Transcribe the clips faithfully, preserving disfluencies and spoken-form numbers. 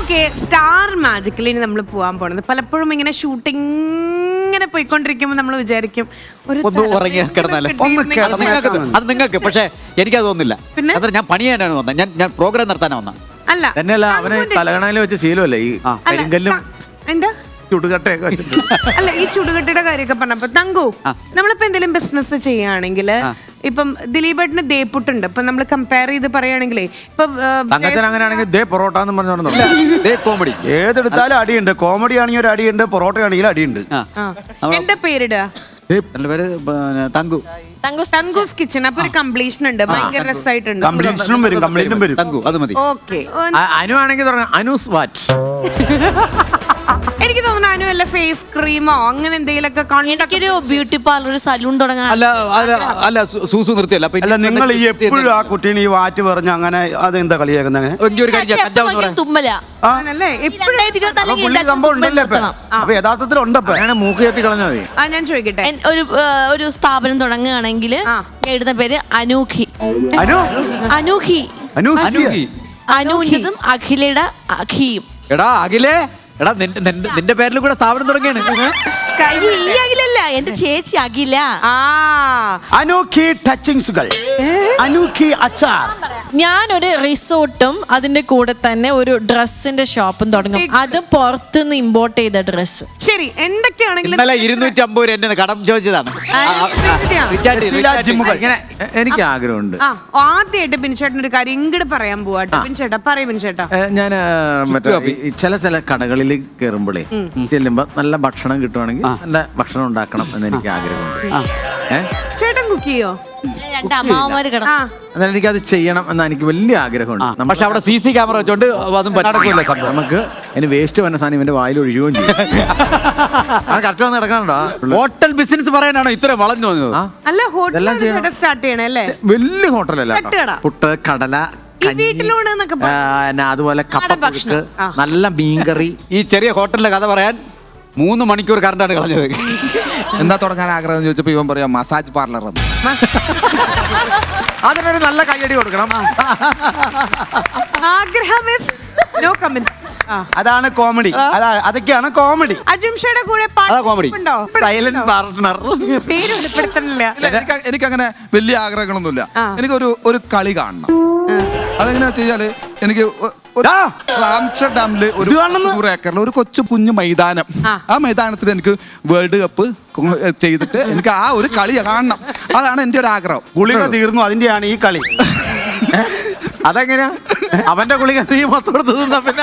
Okay, star മാജിക്കിൽ ഇനി നമ്മൾ പോകാൻ പോണത് പലപ്പോഴും ഇങ്ങനെ ഷൂട്ടിംഗ് ഇങ്ങനെ പോയിക്കൊണ്ടിരിക്കുമ്പോൾ നമ്മൾ വിചാരിക്കും ഒരു അത് നിങ്ങൾക്ക്, പക്ഷെ എനിക്കത് തോന്നില്ല. അത്ര ഞാൻ പണി ചെയ്യാനാണ് വന്നത്, ഞാൻ ഞാൻ പ്രോഗ്രാം നടത്താനാ വന്ന. അല്ല തന്നെയല്ല, അവന് തലകണയിൽ വെച്ച് ശീലമല്ലേ ഈ കരിങ്കല്ലും എന്താ ചുടുകട്ടയൊക്കെ വെച്ചിട്ട്. അല്ല, ഈ ചുടുകട്ടയുടെ കാര്യമൊക്കെ പറഞ്ഞപ്പോ തങ്കു, നമ്മളിപ്പോ എന്തെങ്കിലും ബിസിനസ് ചെയ്യുകയാണെങ്കിൽ ഇപ്പം ദിലീപേട്ടന് ദേപ്പുട്ടുണ്ട്. ഇപ്പൊ നമ്മൾ കമ്പയർ ചെയ്ത് പറയുകയാണെങ്കിലേ ഇപ്പൊ തങ്കച്ചൻ അങ്ങനെയാണെങ്കിൽ ദേ പൊറോട്ട എന്ന് പറഞ്ഞു കോമഡി ഏതെടുത്താലും അടിയുണ്ട്. കോമഡി ആണെങ്കിൽ ഒരു അടിയുണ്ട്, പൊറോട്ട ആണെങ്കിൽ അടിയുണ്ട്. എന്താ പേരിടുക? പേര് തങ്കു, തങ്കൂസ് കിച്ചൺ. അപ്പൊ ഒരു കംപ്ലീഷൻ ഉണ്ട്, ഭയങ്കര രസമായിട്ടുണ്ട്. കംപ്ലീഷനും വരും, കംപ്ലീറ്റും വരും. തങ്കു അത് മതി. ഓക്കെ, അനു ആണെങ്കിൽ അനൂസ് വാറ്റ്. എനിക്ക് തോന്നുന്നു അനു അല്ല ഫേസ് ക്രീമോ അങ്ങനെ എന്തെങ്കിലുമൊക്കെ. എനിക്കൊരു ബ്യൂട്ടി പാർലർ, സലൂൺ തുടങ്ങാൻ. അല്ല അല്ല സൂസു നിർത്തിയല്ല. അല്ല, നിങ്ങൾ ഈ എപ്പോഴും ആ കുട്ടീനെ ഈ വാറ്റ് പറഞ്ഞ് അങ്ങനെ അതെന്താ കളിയാക്കുന്നത്? തുമ്മല സംഭവം ഉണ്ടല്ലേ? അപ്പൊ യഥാർത്ഥത്തിൽ ഉണ്ടപ്പോ അങ്ങനെ മൂക്ക് കത്തി കളഞ്ഞാൽ മതി. ആ, ഞാൻ ചോദിക്കട്ടെ, ഒരു ഒരു സ്ഥാപനം തുടങ്ങുകയാണെങ്കിൽ എഴുതുന്ന പേര് അനൂഖി. അനു അനൂഖി അനു അനൂഹിതും അഖിലയുടെ അഖിയും. എടാ അഖിലേ, എടാ നിന്റെ പേരിൽ കൂടെ സ്ഥാപനം തുടങ്ങിയാണ്. ഈ അഖിലല്ല, എന്റെ ചേച്ചി അഖില. അനൂഖി ടച്ചിങ്സുകൾ, അനൂഖി അച്ചാർ. ഞാനൊരു റിസോർട്ടും അതിന്റെ കൂടെ തന്നെ ഒരു ഡ്രസ്സിന്റെ ഷോപ്പും തുടങ്ങും. അത് പുറത്തുനിന്ന് ഇമ്പോർട്ട് ചെയ്ത ഡ്രസ്. ശരി, എന്തൊക്കെയാണെങ്കിലും ഇന്നലെ ഇരുന്നൂറ്റി അമ്പത് രൂപ എന്നെ കടം ചോദിച്ചതാണ്. ഇങ്ങനെ എനിക്ക് ആഗ്രഹമുണ്ട്. ആ, ആദ്യമായിട്ട് ബിൻചേട്ടൻ ഒരു കാര്യം ഇങ്ങോട്ട് പറയാൻ പോവാട്ടോ. ബിൻചേട്ടാ പറയൂ. ബിൻചേട്ടാ, ഞാൻ മറ്റേ ചില ചില കടകളിൽ കയറുമ്പോഴേ ചെല്ലുമ്പോ നല്ല ഭക്ഷണം കിട്ടുവാണെങ്കിൽ നല്ല ഭക്ഷണം ഉണ്ടാക്കണം എന്ന് എനിക്ക് ആഗ്രഹമുണ്ട്. ചേട്ടൻ കുക്ക് ചെയ്യോ? രണ്ട് അമ്മാവന്മാര് കിടന്നു. എന്നാലും എനിക്കത് ചെയ്യണം എന്ന് എനിക്ക് വലിയ ആഗ്രഹമുണ്ട്. പക്ഷെ അവിടെ സി സി ക്യാമറ വെച്ചോണ്ട് അതും നടക്കില്ല സംഭവം. നമുക്ക് അതിന് വേസ്റ്റ് വന്ന സാധനം ഇവന്റെ വായിൽ ഒഴിയുകയും ചെയ്യും. അത് കറക്റ്റ് വന്ന് നടക്കാനുണ്ടോ? ഹോട്ടൽ ബിസിനസ് പറയാനാണോ ഇത്ര വളഞ്ഞു വന്നത്? അല്ല, ഹോട്ടൽ സ്റ്റാർട്ട് ചെയ്യണേ അല്ലേ? വലിയ ഹോട്ടലല്ല, പുട്ട്, കടല, അതുപോലെ കപ്പ, നല്ല മീൻകറി. ഈ ചെറിയ ഹോട്ടലിലെ കഥ പറയാൻ മൂന്ന് മണിക്കൂർ കറണ്ടാണ് കളഞ്ഞത്. എന്താ തുടങ്ങാൻ ആഗ്രഹം ചോദിച്ചപ്പോ ഇവൻ പറയാം മസാജ് പാർലർ. അതിനൊരു നല്ല കയ്യടി കൊടുക്കണം. അതാണ് കോമഡി. അതൊക്കെയാണ് കോമഡി. അജുംഷയുടെ കൂടെ സൈലന്റ് പാർട്ട്ണർ. പേര് വെളിപ്പെടുത്തണില്ല. എനിക്കങ്ങനെ വലിയ ആഗ്രഹങ്ങളൊന്നുമില്ല. എനിക്കൊരു ഒരു കളി കാണണം. അതെങ്ങനെയാ വെച്ചാല്, എനിക്ക് ആംസ്റ്റർഡാമില് ഒരു നൂറ് ഏക്കറിൽ ഒരു കൊച്ചു കുഞ്ഞു മൈതാനം, ആ മൈതാനത്തിൽ എനിക്ക് വേൾഡ് കപ്പ് ചെയ്തിട്ട് എനിക്ക് ആ ഒരു കളി കാണണം. അതാണ് എന്റെ ഒരു ആഗ്രഹം. ഗുളിക തീർന്നു, അതിന്റെയാണ് ഈ കളി. അതെങ്ങനെയാ? അവന്റെ ഗുളിക നീ മൊത്തം എടുത്ത് തിന്നാ പിന്നെ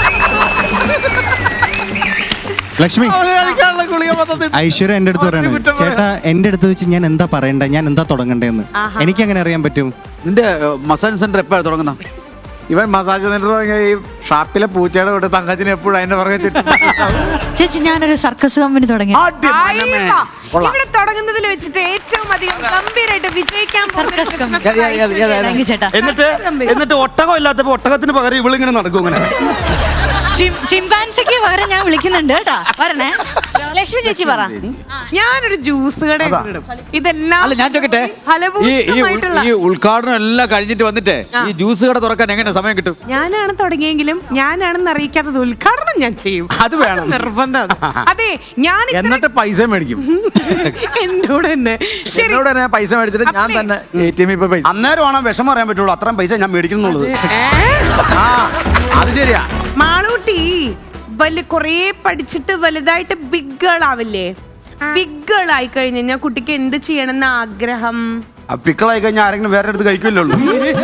ലക്ഷ്മി, ഐശ്വര്യ എന്റെ അടുത്ത് പറയണേ, ചേട്ടാ എന്റെ അടുത്ത് വെച്ച് ഞാൻ എന്താ പറയണ്ടേ, ഞാൻ എന്താ തുടങ്ങണ്ടേന്ന് എനിക്ക് എങ്ങനെ അറിയാൻ പറ്റും? നിന്റെ മസാജ് സെന്റർ എപ്പോഴാണ് തുടങ്ങുന്ന? ഇവൻ മസാജ് സെന്റർ ഈ ഷാപ്പിലെ പൂച്ചയുടെ വിട്ട് തങ്കച്ചിന് എപ്പോഴും അതിന്റെ പുറകെ ചേച്ചി, ഞാനൊരു സർക്കസ് കമ്പനി തുടങ്ങി. ഇവിടെ തുടങ്ങുന്നതിൽ വെച്ചിട്ട് ഏറ്റവും അധികം ഗംഭീരമായിട്ട് വിജയിക്കാൻ എന്നിട്ട് എന്നിട്ട് ഒട്ടകം ഇല്ലാത്തപ്പോ ഒട്ടകത്തിന് പകരം ഇവളിങ്ങനെ നടക്കും. ഇങ്ങനെ ചിമ്പാൻസിക്ക് പകരം ഞാൻ വിളിക്കുന്നുണ്ട് കേട്ടാ, പറഞ്ഞേ. ലക്ഷ്മി ചേച്ചി പറ. ഞാനൊരു ജ്യൂസ് കട ഇതെല്ലാം. അല്ല, ഞാൻ ചോദിക്കട്ടെ, ഈ ഉദ്ഘാടനം എല്ലാം കഴിഞ്ഞിട്ട് വന്നിട്ട് ഈ ജ്യൂസ് കട തുറക്കാൻ എങ്ങനെ സമയം കിട്ടും? ഞാനാണ് തുടങ്ങിയെങ്കിലും ഞാനാണെന്ന് അറിയിക്കാത്തത് ഉദ്ഘാടനം ഞാൻ ചെയ്യും. അത് വേണം, നിർബന്ധം. അതെ, ഞാൻ എന്നിട്ട് പൈസ മേടിക്കും എന്നോട് തന്നെ. എന്നോട് തന്നെ പൈസ മേടിച്ചിട്ട് ഞാൻ തന്നെ എ ടി എം ഇപ്പൊ പൈസ അന്നേരമാണ് വിഷമം അറിയാൻ പറ്റുള്ളൂ. അത്രയും പൈസ ഞാൻ മേടിക്കുന്നുള്ളത്. ആ, അത് ശരിയാ. മാളൂട്ടി വലിയ കൊറേ പഠിച്ചിട്ട് വലുതായിട്ട് ബിഗ് ഗേൾ ആവില്ലേ? ബിഗ് ഗേൾ ആയി കഴിഞ്ഞാൽ കുട്ടിക്ക് എന്ത് ചെയ്യണമെന്ന് ആഗ്രഹം? പിക്കളായി കഴിഞ്ഞാൽ ആരെങ്കിലും വേറെ അടുത്ത് കഴിക്കില്ലല്ലോ.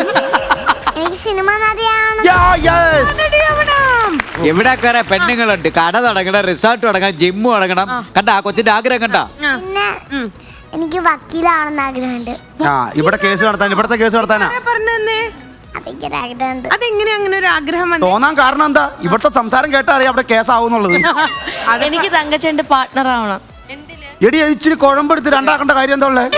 എവിടെ കയറാ പെണ്ണുങ്ങളുണ്ട്, കട തുടങ്ങണം, റിസോർട്ട് തുടങ്ങണം, ജിമ്മ് തുടങ്ങണം. കണ്ട ആ കൊച്ചിന്റെ ആഗ്രഹം കണ്ട. എനിക്ക് വക്കീലാണെന്ന് ആഗ്രഹമുണ്ട്. ആ, ഇവിടെ കേസ് നടത്താൻ, ഇവിടത്തെ കേസ് നടത്താനാ പറഞ്ഞേ. അതെങ്ങനെ അങ്ങനെ ഒരു ആഗ്രഹം തോന്നാൻ കാരണം എന്താ? ഇവിടുത്തെ സംസാരം കേട്ടാ അറിയാം അവിടെ കേസാവുന്നുള്ളത്. അതെനിക്ക് തങ്കച്ചന്റെ പാർട്ട്ണർ ആവണം. എടി, ഇച്ചിരി കുഴമ്പെടുത്ത് രണ്ടാക്കേണ്ട കാര്യം എന്താ ഉള്ളേ?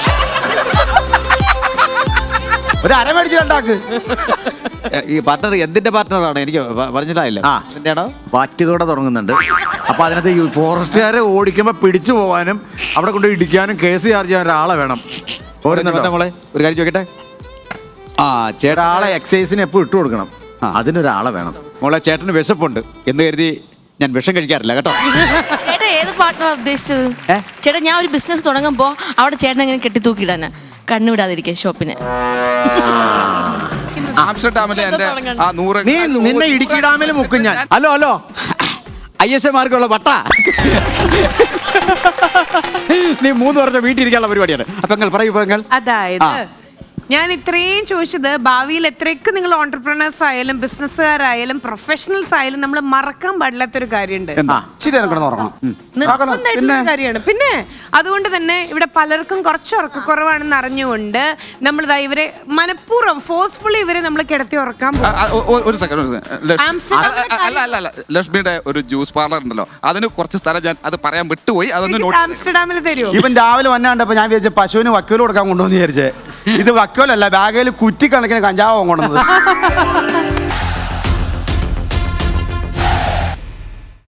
ഒരു അര മേടിച്ച് രണ്ടാക്ക്. ഈ പാർട്ട്ണർ എന്തിന്റെ പാർട്ട്ണറാണ്? എനിക്ക് പറഞ്ഞില്ലായില്ല. ആ, വാറ്റുകട തുടങ്ങുന്നുണ്ട്. അപ്പൊ അതിനകത്ത് ഈ ഫോറസ്റ്റുകാരെ ഓടിക്കുമ്പോ പിടിച്ചു പോകാനും അവിടെ കൊണ്ട് ഇടിക്കാനും കേസ് ചാർജ് ചെയ്യാൻ ഒരാളെ വേണം. മോളെ ഒരു കാര്യം ചോദിക്കട്ടെ, ആ ചേട്ടാ, ആളെ എക്സൈസിന് എപ്പോ ഇട്ട് കൊടുക്കണം. അതിനൊരാളെ വേണം. മോളെ ചേട്ടന് വിശപ്പുണ്ട് എന്ന് കരുതി ഞാൻ വിഷം കഴിക്കാറില്ല കേട്ടോ. ചേട്ടാ ഏത് പാർട്ട്ണറാ ഉദ്ദേശിച്ചത്? ചേട്ടാ ഞാൻ ഒരു ബിസിനസ് തുടങ്ങുമ്പോ അവിടെ ചേട്ടൻ എങ്ങനെ കെട്ടിത്തൂക്കിയിടാന് കണ്ണുവിടാതിരിക്കാൻ ഷോപ്പിന്. ആംസ്റ്റർഡാമിലെ എന്റെ ആ നൂറ് നീ നിന്നെ ഇടുക്കി ഡാമിൽ മുക്കും ഞാൻ. ഹലോ ഹലോ ഐ എസ് എ മാർക്കുള്ള വട്ട നീ മൂന്ന് വർഷം വീട്ടിൽ ഇരിക്കാനുള്ള പരിപാടിയാണ്. അപ്പൊ നിങ്ങൾ പറയൂ പെങ്ങൾ. അതായത് ഞാൻ ഇത്രയും ചോദിച്ചത് ഭാവിയിൽ എത്രയൊക്കെ നിങ്ങൾ ഓണ്ടർപ്രണേഴ്സ് ആയാലും ബിസിനസ്സുകാരായാലും പ്രൊഫഷണൽസ് ആയാലും നമ്മൾ മറക്കാൻ പാടില്ലാത്തൊരു കാര്യമുണ്ട്. നിർബന്ധമായിട്ടുള്ള കാര്യമാണ്. പിന്നെ അതുകൊണ്ട് തന്നെ ഇവിടെ പലർക്കും കുറച്ച് ഉറക്കക്കുറവാണെന്ന് അറിഞ്ഞുകൊണ്ട് നമ്മൾ ഇവരെ മനഃപൂർവ്വം ഫോഴ്സ്ഫുള്ളി ഇവരെ നമ്മൾ കിടത്തി ഉറക്കാൻ പോകും. ആ, ഒ- ഒ- ഒരു സെക്കൻഡ് ഒരു സെക്കൻഡ് അല്ല അല്ല അല്ല ലക്ഷ്മിയുടെ ഒരു ജ്യൂസ് പാർലർ ഉണ്ടല്ലോ, അതിന് കുറച്ച് സ്ഥലം ഞാൻ അത് പറയാൻ വിട്ടുപോയി. അതൊന്ന് നോട്ട് ആംസ്റ്റർഡാമിൽ തരുമോ? ഇവൻ രാവിലെ വന്നാണ്ടപ്പോ ഞാൻ വിചാരിച്ച പശുവിന് വക്കോല് കൊടുക്കാൻ കൊണ്ടുവന്ന് വിചാരിച്ചേ. ഇത് വക്കോലല്ല, ബാഗിൽ കുറ്റിക്കണക്കിന് കഞ്ചാവ് കൊണ്ടുവന്നത്.